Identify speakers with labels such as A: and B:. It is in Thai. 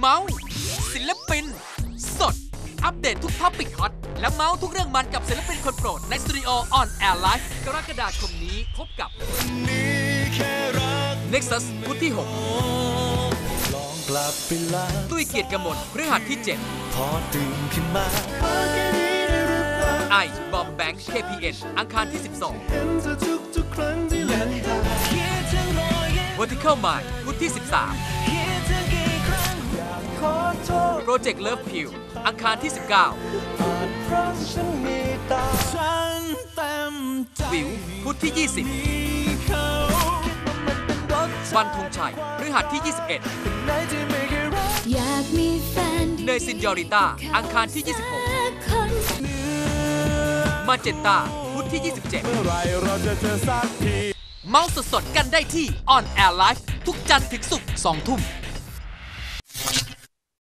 A: มาส์ศิลปินสดอัปเดตทุกท็อปิกฮอตและเมาส์ทุกเรื่องมันกับศิลปินคนโปรดในสตูดิโอ On Air Live กรกฎาคมนี้พบกับ Nexus พุธที่ 6 ตุ้ยเกียรติกมลพฤหัสที่ 7
B: พอตื่นขึ้นมา
A: ไอบอมแบงค์ KPN อังคารที่ 12 Vertical Mind พุธที่ 13 Project Love Pill อังคารที่ 19 วิวพุธที่ 20 วันธงชัยพฤหัสที่ 21
C: อยากมีแฟน
A: เนยซินยอริต้าอังคารที่ 26 มาเจนตาพุธที่ 27 เมาส์สดๆกันได้ที่ On Air Live ทุกจันทร์ถึงศุกร์ 2 ทุ่ม